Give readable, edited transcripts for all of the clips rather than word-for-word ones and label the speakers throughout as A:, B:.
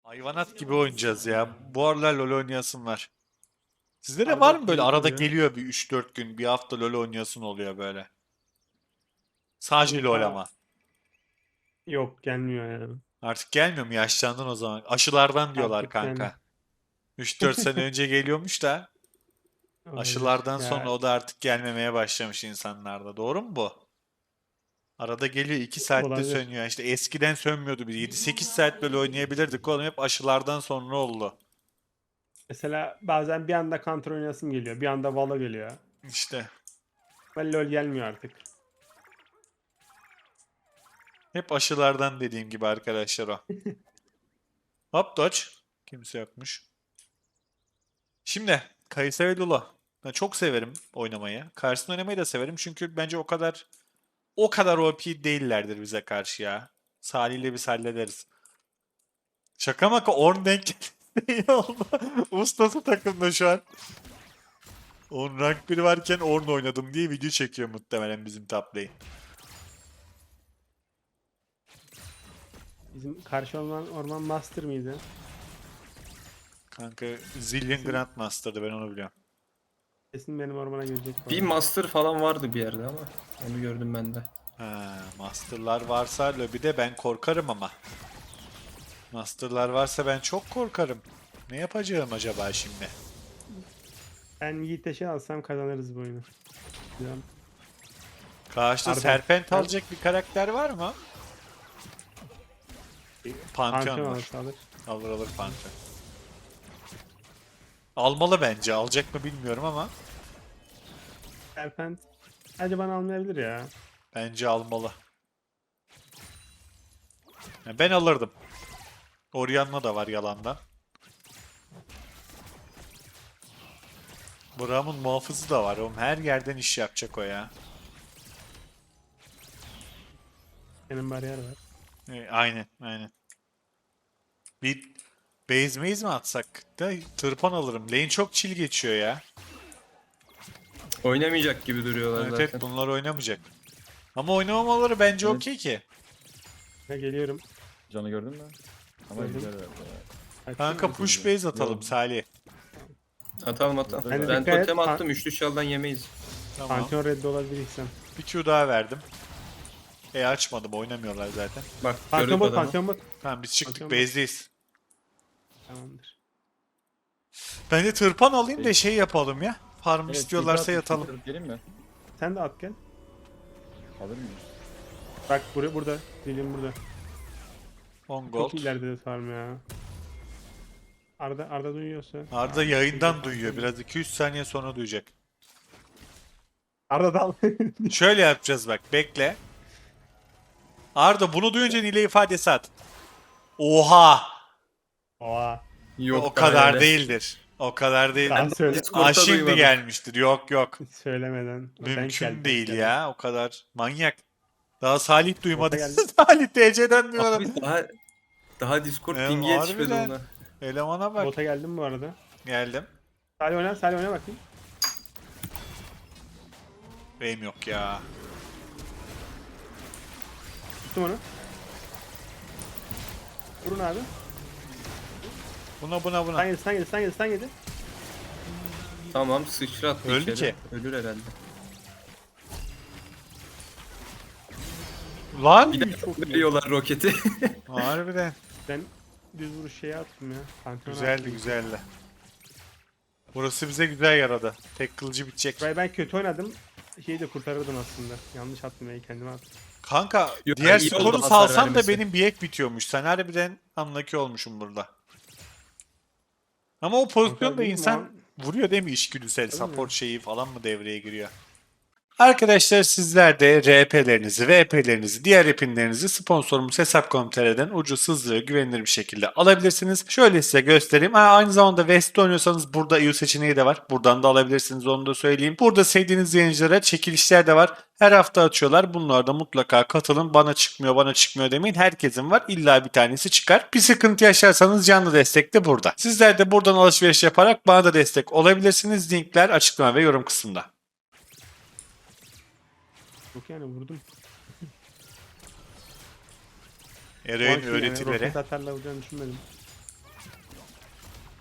A: Hayvanat gibi oynayacağız ya. Bu aralar LoL oynayasım var. Sizde de var
B: Arda
A: mı böyle
B: ping
A: arada
B: oluyor.
A: geliyor bir 3-4 gün, bir hafta LoL oynayasın oluyor böyle. Sadece LoL
B: Kanka
A: ama.
B: yok gelmiyor yani.
A: Artık gelmiyor mu? Yaşlandın o zaman. Aşılardan diyorlar
B: Artık yani
A: kanka. 3-4 sene önce geliyormuş da
B: olabilir.
A: aşılardan sonra
B: Ya
A: o da artık gelmemeye başlamış insanlarda. Doğru mu bu? Arada geliyor 2 saatte
B: olabilir.
A: sönüyor. İşte eskiden sönmüyordu. Biz 7-8 saat böyle oynayabilirdik. Oğlum hep aşılardan sonra oldu.
B: Mesela bazen bir anda Counter oynasım geliyor. Bir anda Valo geliyor.
A: İşte
B: Ben LoL gelmiyor artık.
A: hep aşılardan dediğim gibi arkadaşlar o. Hop dodge. Kimse yokmuş. Şimdi Kayısı ve Lula. Ben çok severim oynamayı. Karşısında oynamayı da severim çünkü bence o kadar OP değillerdir bize karşı ya. Salih ile biz hallederiz. Şaka maka Ornn denk iyi oldu. Ustası takımda şu an. Ornn rank 1 varken Ornn oynadım diye video çekiyor muhtemelen bizim top lane.
B: Bizim karşı orman master mıydı?
A: Kanka Zillion
B: Kesin,
A: Grandmaster'dı ben onu biliyorum.
B: kesin benim ormana gelecek bu
C: Bir
B: arada.
C: master falan vardı bir yerde ama onu gördüm ben de.
A: Ha, Master'lar varsa lobide ben korkarım ama. Master'lar varsa ben çok korkarım. Ne yapacağım acaba şimdi?
B: Ben Yiğit'e şey alsam kazanırız bu oyunu. Güzel.
A: Karşıda
B: Arda
A: Serpent
B: ben
A: alacak bir karakter var mı? Pantheon
B: Pantheon
A: var.
B: alırsa alır.
A: Alır alır Pantheon. Almalı bence. Alacak mı bilmiyorum ama
B: Serpent bence bana almayabilir ya.
A: bence almalı. Yani ben alırdım. Orianna da var yalandan. Braum'un muhafızı da var. Oğlum her yerden iş yapacak o ya.
B: Benim bariyer var.
A: Aynen aynen. Bir base maze mi atsak da tırpan alırım. Lane çok chill geçiyor ya.
C: Oynamayacak gibi duruyorlar
A: Evet evet
C: zaten.
A: bunlar oynamayacak. Ama oynamamaları bence
D: Evet.
A: okey ki.
B: Ya geliyorum.
D: Canı gördün mü? Ama
B: Gördüm.
D: güzel verdi.
A: Kanka
B: Açayım mı?
A: push base atalım
D: Yok.
A: Salih.
C: Atalım atalım.
D: Ben de
C: Ben
B: dikkat et,
C: totem attım. Üçlü çaldan yemeyiz.
A: Tamam.
B: Pantheon red olabilirsem.
A: Bir Q daha verdim. Açmadım oynamıyorlar zaten.
C: Bak
B: Pantheon
C: gördük
B: bot,
C: adamı.
B: Pantheon bot.
A: Tamam biz çıktık
B: Pantheon bot.
A: base'deyiz.
B: Tamamdır.
A: Ben de tırpan alayım da şey yapalım ya. Farm
D: Evet,
A: istiyorlarsa yatalım.
D: Gelin mi?
B: Sen de at gel.
D: Alır mıyız?
B: Bak burada. Dilim burada.
A: 10
B: Çok
A: gold.
B: ileride de farm ya. Arda duyuyorsa.
A: Arda yayından duyuyor. Biraz 200 saniye sonra duyacak.
B: Arda dal.
A: Şöyle yapacağız bak bekle. Arda bunu duyunca Nile ifadesi at. Oha!
B: Oha.
C: Yok
A: O
C: daha
A: kadar
C: öyle.
A: değildir. O kadar değil.
B: Daha söyle.
C: Discord'da
A: Şimdi
C: duymadım.
A: gelmiştir. Yok yok.
B: Söylemeden. Denk
A: Mümkün
B: geldi, denk
A: değil
B: geldi.
A: ya. O kadar manyak. Daha Salih duymadı.
B: Bota geldi.
A: Salih TC'den duymadı.
C: Abi daha Discord
A: Evet,
C: pingi yetişmedi
A: harbiden.
C: ona.
A: Elemana bak.
B: Bota geldim bu arada.
A: Geldim.
B: Salih oyna bakayım.
A: Benim yok ya.
B: Tuttum onu. Vurun abi.
A: Buna.
B: Stun yedi.
C: Tamam sıçrattı
A: Öldü
C: içeri.
A: ki.
C: Ölür herhalde.
A: Lan!
C: Bir de
B: Çok iyi.
C: veriyorlar roketi.
A: Harbiden.
B: Ben düz vuruş şeye attım ya. Pantheon'a
A: Güzeldi
B: attım.
A: güzeldi. Burası bize güzel yaradı. Tek kılıcı bitecek.
B: Ben kötü oynadım. Şeyi de kurtarırdım aslında. Yanlış attım ya kendime attım.
A: Kanka
C: Yok,
A: diğer
C: iyi oldu
A: skoru
C: hasar
A: salsam da
C: vermesi.
A: benim bir ek bitiyormuş. Sen harbiden unlucky olmuşum burada. Ama o pozisyonda
B: Kanka değil mi?
A: insan vuruyor değil mi içgüdüsel
B: Tabii mi?
A: support şeyi falan mı devreye giriyor? Arkadaşlar sizler de RP'lerinizi, VP'lerinizi, diğer epinlerinizi sponsorumuz Hesap.com.tr'den ucuz, hızlı ve güvenilir bir şekilde alabilirsiniz. Şöyle size göstereyim. Aynı zamanda West'te oynuyorsanız burada EU seçeneği de var. Buradan da alabilirsiniz onu da söyleyeyim. Burada sevdiğiniz yayıncılara çekilişler de var. Her hafta açıyorlar. Bunlarda mutlaka katılın. Bana çıkmıyor demeyin. Herkesin var. İlla bir tanesi çıkar. Bir sıkıntı yaşarsanız canlı destek de burada. Sizler de buradan alışveriş yaparak bana da destek olabilirsiniz. Linkler açıklama ve yorum kısmında.
B: Yok yani vurdum.
A: Ereğin
B: Yani
A: öğretileri.
B: roket atarla vuracağını düşünmedim.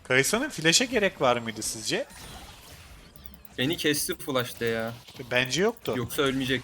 A: Kayısa'nın flash'e gerek var mıydı sizce?
C: Beni kesti flash'ta ya.
A: Bence yoktu.
C: Yoksa ölmeyecek.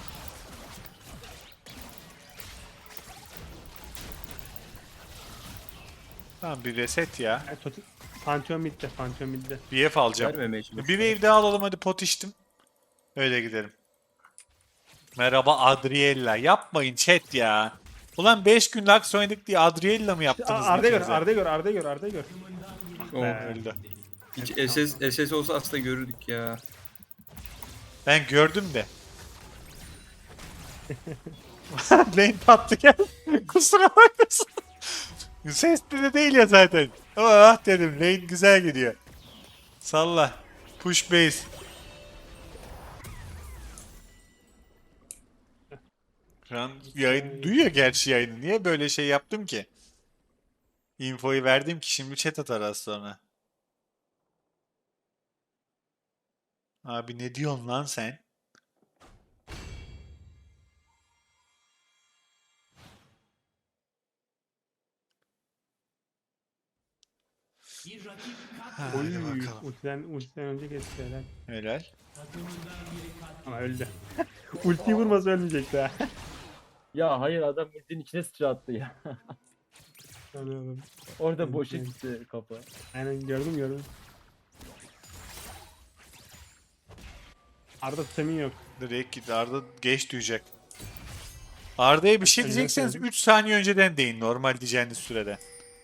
A: Tamam bir reset ya.
B: Yani Pantheon midde. Pantheon midde.
A: BF alacağım.
C: Vermemeye
A: Bir
C: çalışıyorum.
A: wave daha alalım hadi pot içtim. Öyle gidelim. Merhaba Adriella. Yapmayın chat ya. Ulan 5 gün Lux oynadık diye Adriella mı yaptınız?
B: Arda gör,
A: ikinize?
B: Arda gör, Arda gör, Arda gör.
C: Oh,
A: Öldü.
C: hiç SS olsa aslında görürdük ya.
A: Ben gördüm de. Lane patlı gel. Kusura bakmasın. Sesli de değil ya zaten. Ah dedim lane güzel gidiyor. Salla. Push base. Şu an yayın duyuyor gerçi yayını. Niye böyle şey yaptım ki? Infoyu verdim ki şimdi chat atar az sonra. Abi ne diyorsun lan sen? Hadi
B: Oy,
A: bakalım.
B: ultiden önce kesti helal.
A: Helal.
B: Ama öldü. Ultiyi vurmasa ölmeyecekti ha.
D: Ya hayır adam ultinin içine sıçrattı ya.
B: Anladım.
D: Orada boşa gitti kafa.
B: Aynen gördüm. Arda tutamin yok.
A: Direkt git. Arda geç duyacak. Arda'ya bir şey
B: Önceden
A: diyecekseniz
B: söyledim.
A: 3 saniye önceden deyin normal diyeceğiniz sürede.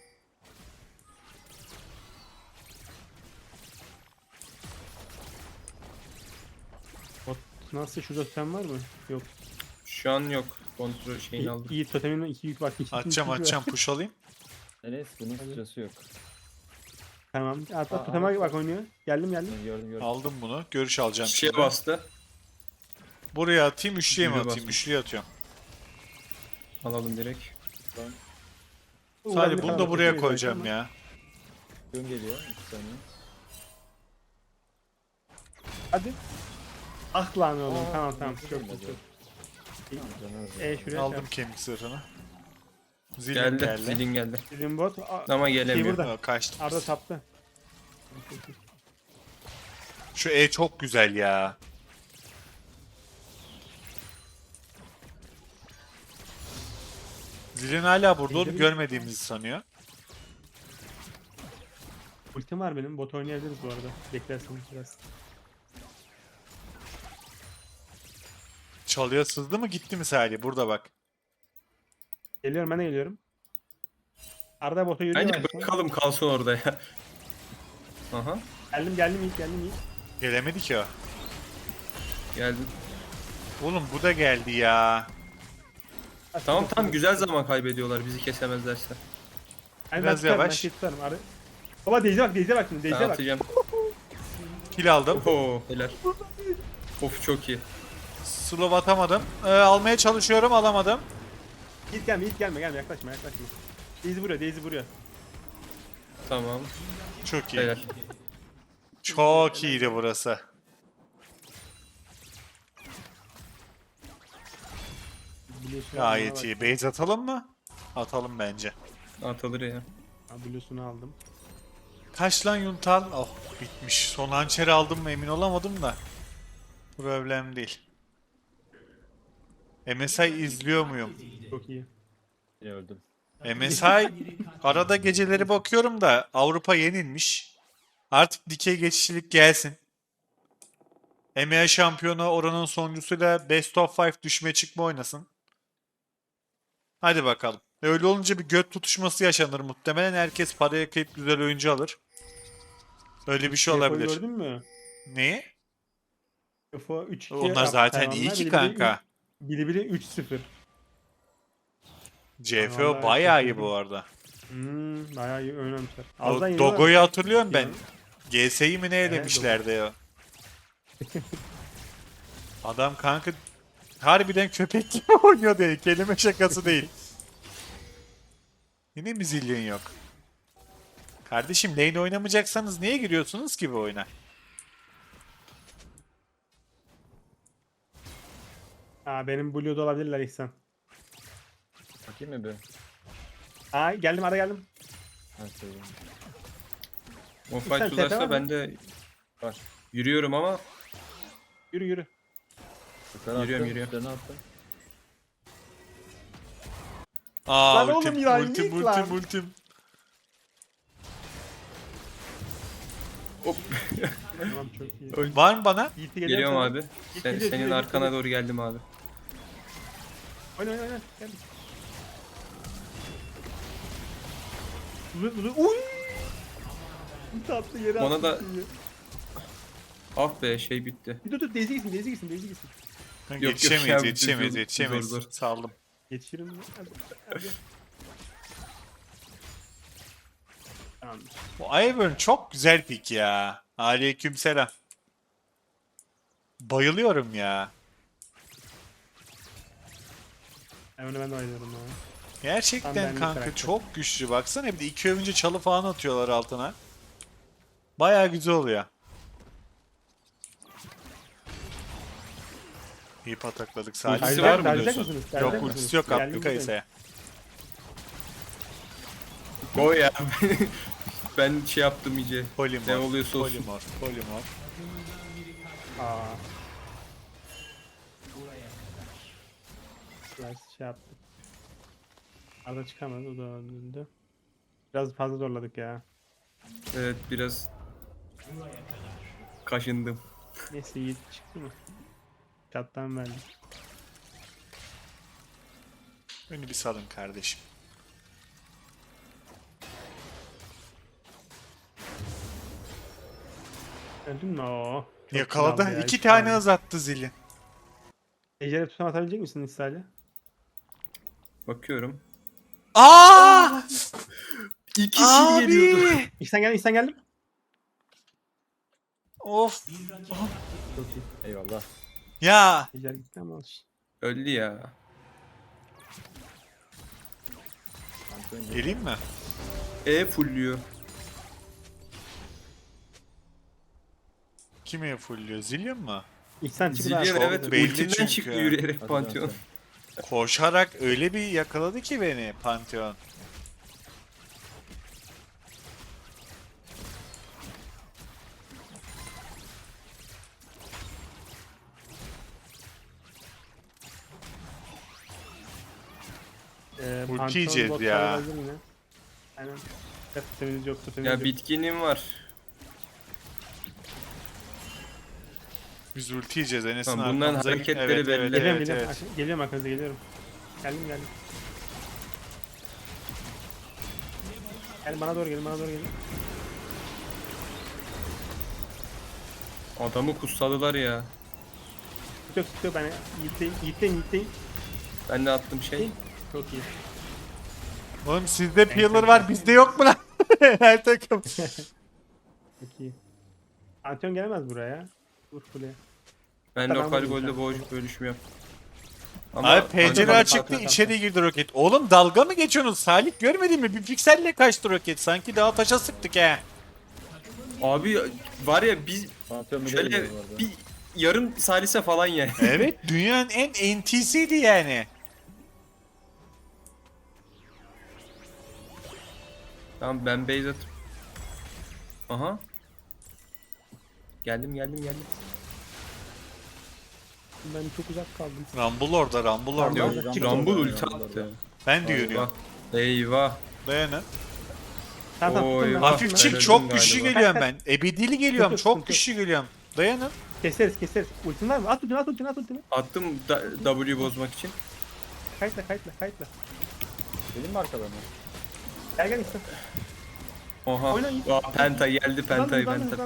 B: Nasıl şurada totem var mı? Yok.
C: Şu an yok. Kontrol şeyini aldım.
B: İyi totemin 2 yük var.
A: Atacağım push alayım.
D: Enes bunun sıçrası yok.
B: Tamam. Hatta
D: Aa,
B: toteme
D: aa.
B: bak oynuyor. Geldim.
D: Ben gördüm.
A: Aldım bunu. Görüş alacağım
C: Şişeye
A: şimdi.
C: bastı.
A: Buraya atayım üçlüye mi
C: Yürü
A: atayım?
C: bastım.
A: Üçlüye atıyorum.
C: Alalım direkt.
A: Sadece bunu da buraya koyacağım ya.
D: Gün geliyor 2 saniye.
B: Hadi. Ah lan oğlum.
D: Aa,
B: Tamam
D: nasıl
B: çok
D: olmadı?
B: çok.
D: Tamam, canım.
B: Şuraya
A: Aldım kemik zırhını. Zilin
C: Geldi.
A: geldi.
C: Zilin geldi.
B: Bizim bot.
C: Ama gelemiyor.
B: burada.
A: Aa, kaçtım.
B: Arda taptı.
A: Şu E çok güzel ya. Zilin hala burada olup görmediğimizi sanıyor.
B: Ultim var benim. Bot oynayabiliriz bu arada. Beklersiniz biraz.
A: Çalıya sızdı mı gitti mi Salih? Burada bak.
B: Geliyorum ben de geliyorum. Arda bota yürüyor.
C: Bence
B: aslında.
C: bırakalım kalsın orada ya. Aha.
B: Geldim ilk.
A: Gelemedi ki o.
C: Geldi.
A: Oğlum bu da geldi ya.
C: Tamam güzel zaman kaybediyorlar bizi kesemezlerse.
B: Ay,
A: Biraz yavaş.
B: Ben tutarım. Arda. Baba Deyze bak şimdi.
C: Ben
B: Deyze bak.
C: atacağım.
A: Kill aldım.
C: Oho helal. Of çok iyi.
A: Slow atamadım. Almaya çalışıyorum alamadım.
B: Yiğit gelme yaklaşma. Deyze vuruyor.
C: Tamam.
A: Çok iyi.
C: Helal.
A: Çok iyiydi burası.
B: Biliyorsun
A: Gayet iyi. Base atalım mı? Atalım bence.
C: Atılır ya.
B: Biliyorsun'u aldım.
A: Kaç lan Yuntal? Oh bitmiş. Son hançeri aldım mı emin olamadım da. Problem değil. MSI izliyor muyum?
B: Çok iyi.
D: Yine öldüm.
A: MSI arada geceleri bakıyorum da Avrupa yenilmiş. Artık dikey geçişlilik gelsin. EMEA şampiyonu oranın sonuncusuyla Best of 5 düşme çıkma oynasın. Hadi bakalım. Öyle olunca bir göt tutuşması yaşanır muhtemelen. Herkes paraya kıyıp güzel oyuncu alır. Öyle bir şey
B: UFO'yu
A: olabilir.
B: Gördün mü?
A: Neyi?
B: UFO 3-2.
A: Onlar zaten iyi ki kanka.
B: Bili 3-0.
A: CFO
B: Vallahi
A: bayağı iyi
B: şaşırdım.
A: bu arada.
B: Bayağı iyi oynamışlar.
A: O
B: Azdan yeniyorlar.
A: Dogo'yu hatırlıyorum ben.
B: Ya.
A: GS'yi mi ne
B: Evet,
A: elemişlerdi ya. Adam kanka harbiden köpek gibi oynuyor değil. Kelime şakası değil. Yine mi zilyon yok? Kardeşim lane oynamayacaksanız niye giriyorsunuz ki bu oyuna?
B: Benim Blue'da olabilirler İhsan.
D: Bakayım mı bir?
B: Geldim.
D: Ben söyleyeyim.
C: O
B: Sen
C: fight
B: TP var
C: uzarsa
B: mı?
C: ben de
D: Var.
C: yürüyorum ama
B: Yürü yürü.
D: Yukarı
C: Yürüyorum,
D: attı,
C: yürüyorum.
D: üstlerine attı.
A: Aa
B: Lan
A: ultim,
B: oğlum ya,
A: ultim,
B: git
A: ultim,
B: lan.
A: ultim.
B: Tamam çok iyi.
A: Var mı bana?
B: Yiğit'i
C: geliyorum
B: sana.
C: abi.
B: Git,
C: Senin
B: geliyor,
C: arkana
B: geliyor.
C: doğru geldim abi.
B: Oyna oyna oyna. Gel. Uy! Bir tatlı yere
C: Ona
B: attı
C: da-
B: şeyi.
C: Ah be şey bitti.
B: Bir dur Daisy gitsin, Daisy gitsin, Daisy gitsin.
C: yok
A: Yetişemeyiz,
C: ya,
A: yetişemeyiz,
C: zor,
A: yetişemeyiz.
C: zor, zor.
A: Saldım.
B: Yetişirim mi? Hadi. Tamamdır.
A: Bu Ivern çok güzel pick ya. Aleykümselam. Bayılıyorum ya.
B: Onu ben de oynuyorum abi. Tam
A: Gerçekten
B: benlik
A: kanka
B: karakter.
A: çok güçlü. Baksana bir de 2 övünce çalı falan atıyorlar altına. Baya güzel oluyor. İyi patakladık. Salih
C: Ultisi
A: var
C: var
A: mı
C: mı
B: Tercih
A: diyorsun?
B: misiniz?
A: Yok
B: Tercih
A: ultisi
B: misiniz?
A: yok
B: Geldim
A: attı
B: buradayım.
A: Kayısa'ya.
C: Go ya. Ben şey yaptım iyice.
A: Polimorf,
C: Ne oluyorsa olsun.
A: Polimorf.
B: Aa. Biraz şey yaptık. Arada çıkamadı, o da öldü. Biraz fazla zorladık ya.
C: Evet biraz kaşındım.
B: Neyse Yiğit çıktı mı? Çattan verdik.
A: Beni bir salın kardeşim.
B: Öldün mü? Oo. Çok
A: Yakaladı.
B: kraldı ya,
A: 2
B: hiç
A: tane
B: kalmadı.
A: hız attı zili.
B: Ejder'e tutan atabilecek misin İsrail'e?
C: Bakıyorum.
A: Aa!
C: İkisi geliyordu.
A: Abi!
B: İhsan geldim.
A: Of.
B: Çok iyi.
D: Eyvallah.
A: Ya.
B: Ejder gitti ama olsun.
C: Öldü ya.
D: Şampiyon gibi.
A: Geleyim mi?
C: Fullüyor.
A: Kime fulluyor? Zillion mu?
B: İhsan çıktı.
C: Zillion
A: çok
C: evet
A: belli
C: ultinden
A: çünkü.
C: çıktı yürüyerek
D: Hadi
C: Pantheon.
D: lan
A: Koşarak öyle bir yakaladı ki beni Pantheon. Ulti
B: Pantolon
A: yiyeceğiz
B: botları
A: ya.
B: lazım yine. Aynen. Tuteminiz yok, tuteminiz
C: Ya
B: yok.
C: bitkinim var.
A: Biz ulti yiyeceğiz Enes'in
C: Tamam, bunların
A: arkamıza.
C: hareketleri
A: Evet,
C: belli.
A: evet,
B: Geliyorum,
A: evet,
B: geliyorum.
A: evet.
B: Geliyorum arkanıza, geliyorum. Geldim. Gelin bana doğru gelin, bana doğru gelin.
C: Adamı kutsadılar ya.
B: Tutuyor ben Yiğit'teyim.
C: Ben de attım şey.
B: Çok iyi.
A: Oğlum sizde peeler var bizde yok mu lan? Her takım.
B: Çok iyi. Antion gelemez buraya. Vur kuleye.
C: Ben
B: Tamam,
C: lokal
B: vurdum
C: golde
B: sen.
C: boğuşup bölüşüm yap.
A: Abi pencere
C: Pantheon-
A: açıktı içeri girdi roket. Oğlum dalga mı geçiyorsunuz? Salih görmedin mi? Bir pikselle kaçtı roket. Sanki daha taşa sıktık he.
C: Abi var ya biz
D: Pantheon bile
C: şöyle
D: geliyor bu arada.
C: bir yarım salise falan yani.
A: Evet dünyanın en NT'siydi yani.
C: Tamam ben base atıp. Aha. Geldim.
B: Ben çok uzak kaldım.
A: Rumble orada, Rumble orada.
C: Yok,
B: Rumble
C: Rumble
D: orada,
C: ulti
D: Rumble
C: attı.
D: orada.
A: Ben de
C: Eyvah.
A: yürüyorum.
C: Eyvah.
A: Dayanın.
B: Tamam
C: Oy,
B: tuttum ben.
C: vah.
A: Hafif
B: tuttum
C: Ben
A: çık
C: öldüm
A: çok güçlü
C: galiba.
A: geliyorum ben. Ebedili geliyorum
B: Yok,
A: çok
B: yok.
A: güçlü geliyorum. Dayanın.
B: ben. Keseriz. Ultin var mı? At ultini.
C: Attım W bozmak için.
B: Kayıtla.
D: Gelin mi arkalarına?
B: Gel İhsan.
C: Oha.
B: Oyna iyi.
C: Aa, Penta geldi Penta'yı
B: Hızlandı.
C: Penta.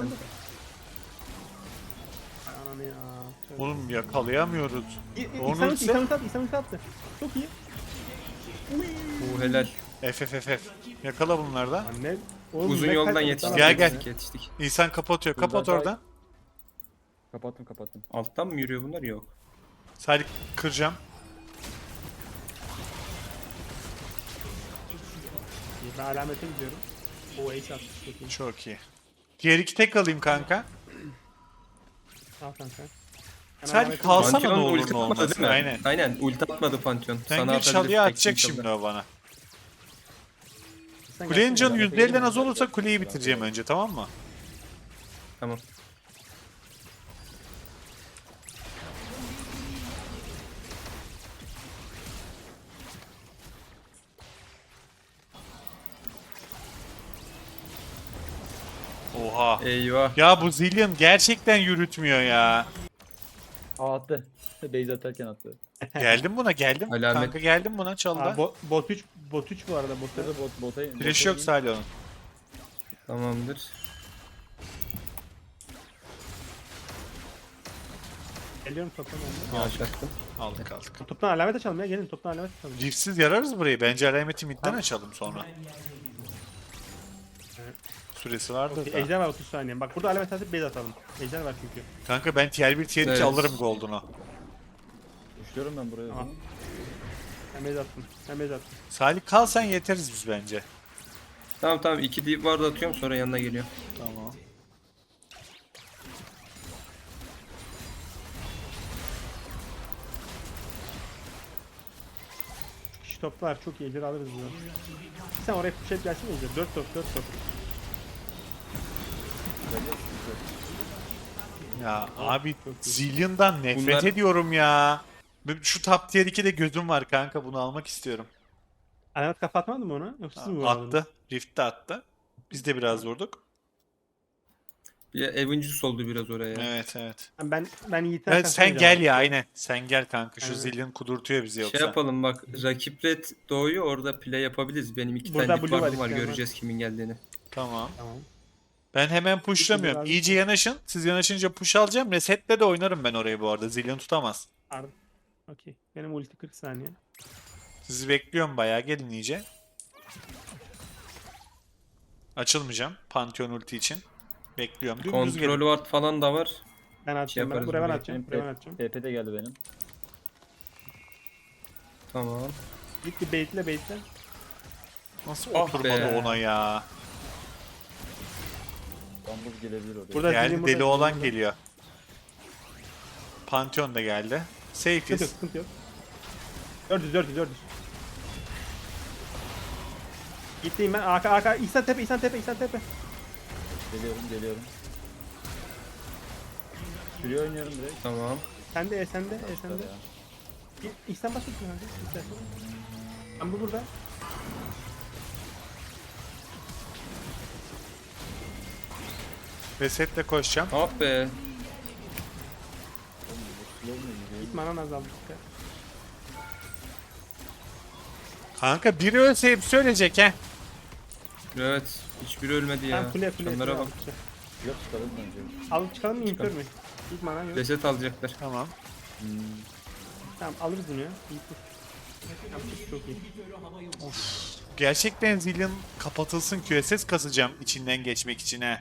B: Ay ananı ya.
A: Oğlum yakalayamıyoruz. Onu
B: İhsan
A: ultisi-
B: ulti attı. Çok iyi.
C: Bu helal.
A: FFFF. Yakala bunlardan.
B: Anne. Oğlum,
C: Uzun
B: ne
C: yoldan
B: kayıtla
C: yetiştik.
A: Gel, gel.
C: Yetiştik.
A: İnsan kapatıyor. Kapat
D: Buradan
A: oradan.
D: Kapattım.
C: Alttan mı yürüyor bunlar? Yok.
A: Salih kıracağım.
B: Ben alamete gidiyorum. O ace attı. Çok iyi.
A: Çok iyi. Diğer iki tek alayım kanka.
B: Al kanka. Ben
A: Sen
B: alamete
A: kalsana
B: gidiyorum.
A: ne olur
C: ulti
A: ne
C: atmadı
A: olmaz.
C: değil mi?
A: Aynen.
C: Aynen ulti atmadı Pantheon.
A: Sen gir
C: atabilir,
A: çalıya
C: tek
A: atacak
C: çaldı.
A: şimdi o bana.
B: Sen
A: Kulenin
B: gelsene
A: canı
B: ya.
A: %50'den az olursa kuleyi bitireceğim önce, tamam mı?
C: Tamam.
A: Oha.
C: Eyvah.
A: Ya bu Zillion gerçekten yürütmüyor ya.
D: Aa attı. Base atarken attı.
A: Geldim buna, geldim.
C: Alamet.
A: Kanka geldim buna, çaldı.
B: Aa, bot 3 bu arada bot.
D: Burada bota
A: Flash yok Salih'in.
C: Tamamdır.
B: Geliyorum toptan önüne.
C: Yavaş attım.
A: Aldık aldık.
B: Toptan alamet açalım ya. Gelin toptan alamet açalım.
A: Riftsiz yararız burayı. Bence alameti midden açalım sonra. Süresi vardır da.
B: Ejder var 30 saniye. Bak burada alamet açıp base atalım. Ejder var çünkü.
A: Kanka ben tier 1 tier 2
C: Evet.
A: alırım gold'unu.
D: Düşüyorum ben buraya.
B: Tamam. Ben base attım. Ben base attım.
A: Salih kal, sen yeteriz biz bence.
C: Tamam tamam 2 deep ward atıyorum sonra yanına geliyor.
A: Tamam.
B: Kişi toplar çok iyi. Ejder alırız bunu. Sen oraya push gelsin Ejder. 4 top 4 top.
A: Ya abi
B: çok iyi.
A: Zillion'dan nefret
C: Bunlar-
A: ediyorum ya. Şu top tier 2'de gözüm var kanka, bunu almak istiyorum.
B: Alamet kafa atmadın mı ona? Yoksa siz mi vuramadınız?
A: Attı. Rift de attı. Biz de biraz vurduk.
C: Bir Avengers oldu biraz oraya.
A: Evet evet.
B: Ben Yiğit'ten
A: Evet,
B: şanslı
A: sen gel
B: oynayacağım.
A: ya, aynen. Sen gel kanka. Şu
B: Evet.
A: Zillion kudurtuyor bizi yoksa.
C: Şey yapalım bak rakip red doğuyor orada play yapabiliriz. Benim 2
B: Burada
C: tane deep
B: blue var,
C: ward'um var
B: isteyen var.
C: göreceğiz kimin geldiğini.
A: Tamam.
B: Tamam.
A: Ben hemen pushlamıyorum.
B: lazım.
A: İyice yanaşın. Siz yanaşınca push alacağım. Resetle de oynarım ben orayı bu arada. Zillion tutamaz.
B: Ardım. Okey. Benim ulti 40 saniye.
A: Sizi bekliyorum bayağı. Gelin iyice. Açılmayacağım. Pantheon ulti için. Bekliyorum. Dümdüz gelin.
C: Kontrol ward falan da var.
B: Ben atacağım.
C: yaparız
B: Buraya ben
C: buraya.
B: atacağım. Buraya ben atacağım.
D: TP de geldi benim.
C: Tamam.
B: Git bir baitle.
A: Nasıl
C: Ah
A: oturmadı
C: be.
A: ona ya?
D: Bambuz gelebilir oraya.
B: Burada
A: Geldi,
B: Zillion
A: deli
B: burada,
A: olan
B: Zillion
A: geliyor. Pantheon da geldi.
B: burada. Sıkıntı yok,
A: Safe'iz.
B: sıkıntı yok. 400. Gittim ben. Arka. İhsan tepe.
D: Geliyorum. Sürüyor oynuyorum direkt.
C: Tamam.
B: Sen de.
D: Ya.
B: İhsan bas ultini kanka. İstersen. Ben bu burada.
A: Resetle koşacağım.
C: Ah be.
B: Git manan azaldı.
A: Kanka biri ölse hepsi ölecek he.
C: Evet. Hiçbiri ölmedi ya.
B: Ben kule.
C: Canlara bak.
D: Yok çıkalım bence.
B: Alıp çıkalım mı? İnkör mü? Git manan yok.
C: Reset alacaklar.
A: Tamam.
B: Tamam alırız bunu ya. İyi tut. Yapacak çok iyi.
A: Gerçekten Zillion kapatılsın, QSS kasacağım içinden geçmek için he.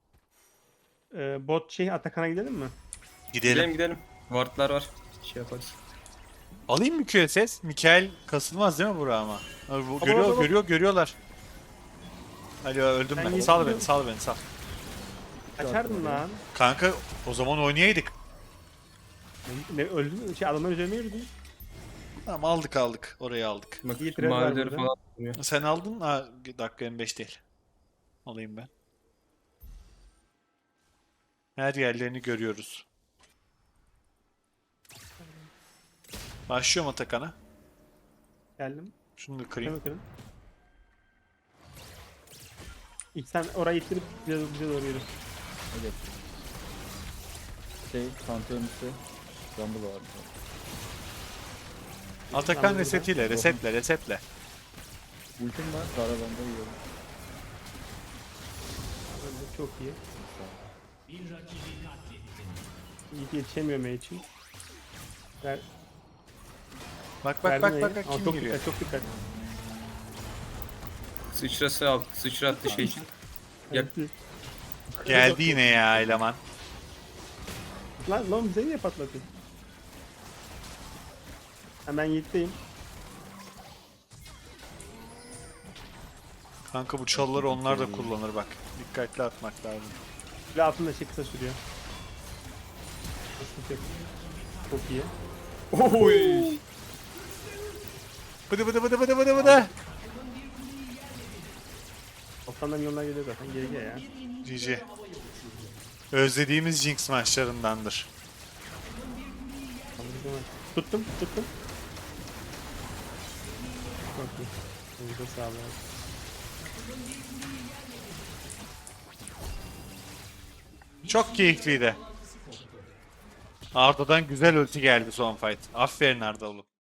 B: Bot Atakan'a gidelim mi?
A: Gidelim.
C: Gidelim. Wardlar var. Şey yaparız.
A: Alayım mı QSS? Mikael kasılmaz değil mi bura ama? Abi bu
B: Baba.
A: görüyorlar. Alo öldüm
B: Ben
A: ben.
B: yedim.
A: Sal beni.
B: Açardın lan.
A: Kanka o zaman oynayaydık.
B: Ne öldün mü? Adamlar üzerine yürüdü.
A: Tamam aldık. Orayı aldık.
C: Bak
B: İyi trend var
C: mavileri
B: burada.
C: falan duruyor.
A: Sen aldın. Ha, dakika 25 değil. Alayım ben. Her yerlerini görüyoruz. Başlıyorum Atakan'a.
B: Geldim.
A: Şunu da kırayım.
B: Kırın. İlk sen orayı ittirip bize doğru yürü.
D: Evet. Pantheon üstü. Rumble var.
A: Atakan
B: Tamam,
A: resetiyle, resetle.
D: Ultim var. Karavanda yiyorum.
B: Öyle çok iyi. İyi yetişemiyor Mage için. Ver,
A: Bak
B: verdim M'yi. Ama
A: kim
B: çok
A: giriyor.
B: dikkat, çok dikkat.
C: Sıçrattı şey için. Yap.
B: Evet.
A: Geldi yine ya eleman.
B: Lan bize niye patlatın? Hemen Yiğit'teyim.
A: Kanka bu çalıları onlar da kullanır bak. Dikkatli atmak lazım.
B: Ve altında şey kısa sürüyor. Sıkıntı yok. Çok iyi.
C: Oy.
A: Bıdı.
B: Sana milyonlar geliyor zaten. GG ya.
A: GG. Özlediğimiz Jinx maçlarındandır.
B: Tuttum. Çok iyi. Elinize sağlık.
A: Çok keyifliydi. Arda'dan güzel ulti geldi son fight. Aferin Arda oğlum.